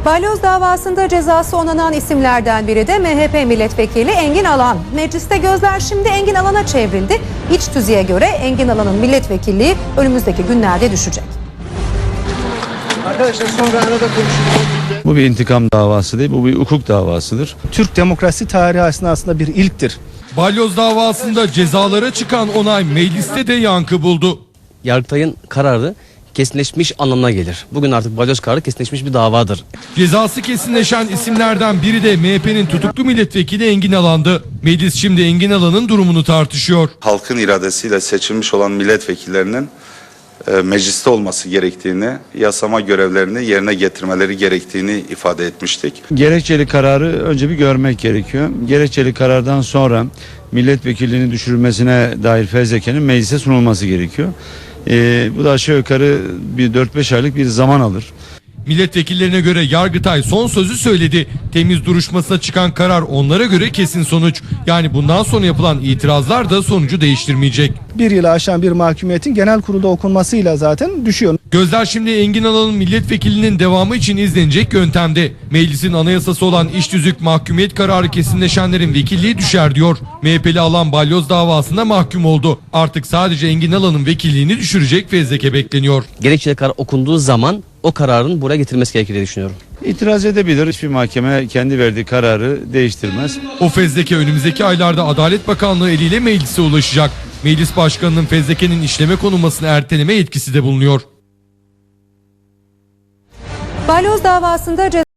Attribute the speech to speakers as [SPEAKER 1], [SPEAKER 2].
[SPEAKER 1] Balyoz davasında cezası onanan isimlerden biri de MHP milletvekili Engin Alan. Mecliste gözler şimdi Engin Alan'a çevrildi. İç tüzüğe göre Engin Alan'ın milletvekilliği önümüzdeki günlerde düşecek.
[SPEAKER 2] Arkadaşlar sonra arada konuşuruz.
[SPEAKER 3] Bu bir intikam davası değil, bu bir hukuk davasıdır.
[SPEAKER 2] Türk demokrasi tarihi aslında bir ilktir.
[SPEAKER 4] Balyoz davasında cezalara çıkan onay mecliste de yankı buldu.
[SPEAKER 5] Yargıtay'ın kararı kesinleşmiş anlamına gelir. Bugün artık balyoz kararı kesinleşmiş bir davadır.
[SPEAKER 4] Cezası kesinleşen isimlerden biri de MHP'nin tutuklu milletvekili Engin Alan'dı. Meclis şimdi Engin Alan'ın durumunu tartışıyor.
[SPEAKER 6] Halkın iradesiyle seçilmiş olan milletvekillerinin mecliste olması gerektiğini, yasama görevlerini yerine getirmeleri gerektiğini ifade etmiştik.
[SPEAKER 3] Gerekçeli kararı önce bir görmek gerekiyor. Gerekçeli karardan sonra milletvekilliğinin düşürülmesine dair fezlekenin meclise sunulması gerekiyor. Bu da aşağı yukarı bir 4-5 aylık bir zaman alır.
[SPEAKER 4] Milletvekillerine göre Yargıtay son sözü söyledi. Temiz duruşmasına çıkan karar onlara göre kesin sonuç. Yani bundan sonra yapılan itirazlar da sonucu değiştirmeyecek.
[SPEAKER 2] Bir yılı aşan bir mahkumiyetin genel kurulda okunmasıyla zaten düşüyor.
[SPEAKER 4] Gözler şimdi Engin Alan'ın milletvekilinin devamı için izlenecek yöntemde. Meclisin anayasası olan iş tüzük mahkumiyet kararı kesinleşenlerin vekilliği düşer diyor. MHP'li Alan balyoz davasında mahkum oldu. Artık sadece Engin Alan'ın vekilliğini düşürecek fezleke bekleniyor.
[SPEAKER 5] Gerekçeli karar okunduğu zaman o kararın buraya getirilmesi gerekir diye düşünüyorum.
[SPEAKER 3] İtiraz edebilir. Hiçbir mahkeme kendi verdiği kararı değiştirmez.
[SPEAKER 4] O fezleke önümüzdeki aylarda Adalet Bakanlığı eliyle meclise ulaşacak. Meclis Başkanı'nın fezlekenin işleme konulmasını erteleme yetkisi de bulunuyor.
[SPEAKER 1] Balyoz davasında